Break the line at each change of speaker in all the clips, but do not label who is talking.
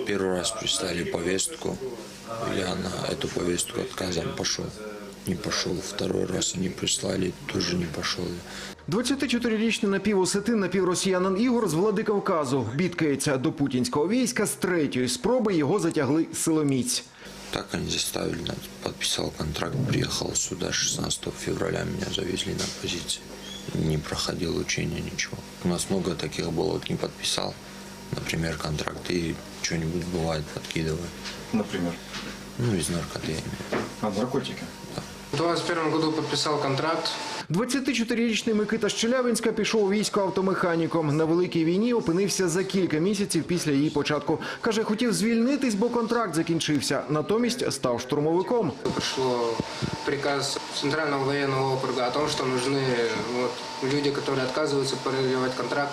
Первый раз прислали повестку, я на эту повестку отказом пошел. Не пошел. Второй раз они прислали, тоже не пошел.
24-річний напівосетин, напівросіянин Ігор з Владикавказу бідкається до путінського війська. З третьої спроби його затягли силоміць.
Так они заставили, подписал контракт, приехал сюда 16 февраля, меня завезли на позиции. Не проходил учения, ничего. У нас много таких было, вот не подписал, например, контракт, и что-нибудь бывает подкидывает.
Например?
Ну, из наркоты, я имею.
А, наркотики?
В 2021 году подписал контракт.
24-річний Микита з Челябинська пішов у військо автомеханіком. На Великій війні опинився за кілька місяців після її початку. Каже, хотів звільнитись, бо контракт закінчився. Натомість став штурмовиком.
Пришло приказ Центрального военного округа о том, что нужны люди, которые отказываются продлевать контракт,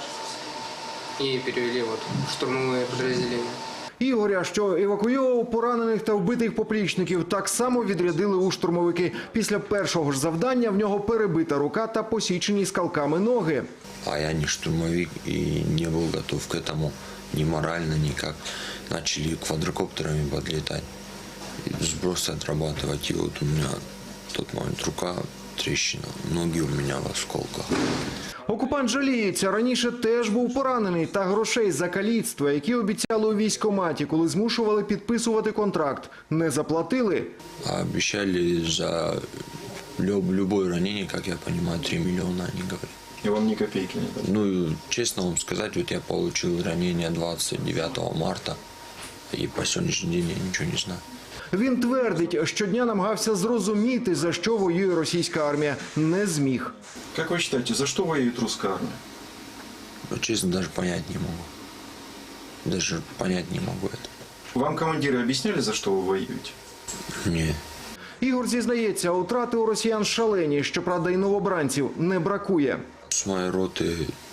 и перевели в штурмовые подразделения.
Ігоря, що евакуював поранених та вбитих поплічників, так само відрядили у штурмовики. Після першого ж завдання в нього перебита рука та посічені скалками ноги.
А я не штурмовик и не был готов к этому ни морально, никак. Начали квадрокоптерами подлетать, сбросы отрабатывать. И вот у меня в тот момент рука трещина, ноги у меня в осколках.
Окупант жаліється, раніше теж був поранений, та грошей за каліцтва, які обіцяли у військкоматі, коли змушували підписувати контракт, не заплатили.
А обещали за любое ранение, как я понимаю, 3 миллиона, они говорят.
И вам ни копейки не дали?
Ну, честно вам сказать, вот я получил ранение 29 марта, и по сегодняшний день я ничего не знаю.
Він твердить, щодня намагався зрозуміти, за що воює російська армія. Не зміг.
Как вы считаете, за что воюет русская армия?
Но, честно, даже понять не могу. Даже понять не могу это.
Вам командиры объясняли, за что вы воюете?
Не.
Ігор зізнається, утрати у росіян шалені, щоправда, і новобранців не бракує.
С моей роты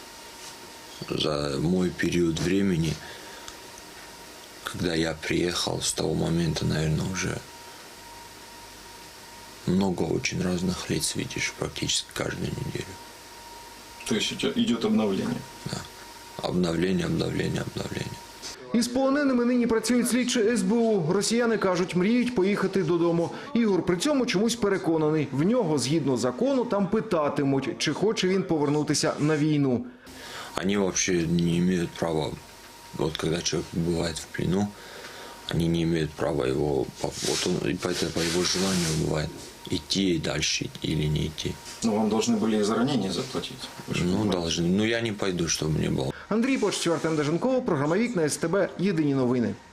за мой период времени, когда я приехал, с того момента, наверное, уже много очень разных лиц видишь практически каждую неделю.
То есть идет обновление?
Да. Обновление, обновление, обновление.
Із полоненими нині працюють слідчі СБУ. Росіяни кажуть, мріють поїхати додому. Ігор при цьому чомусь переконаний. В нього, згідно закону, там питатимуть, чи хоче він повернутися на війну.
Они вообще не имеют права, вот когда человек бывает в плену, они не имеют права его, вот он, и по его желанию бывает, идти дальше или не идти.
Но вам должны были и за ранение заплатить.
Ну, должны. Ну, я не пойду, чтобы не было.
Андрій Почтів, Артем Деженков, програма «Вікна», СТБ, єдині новини.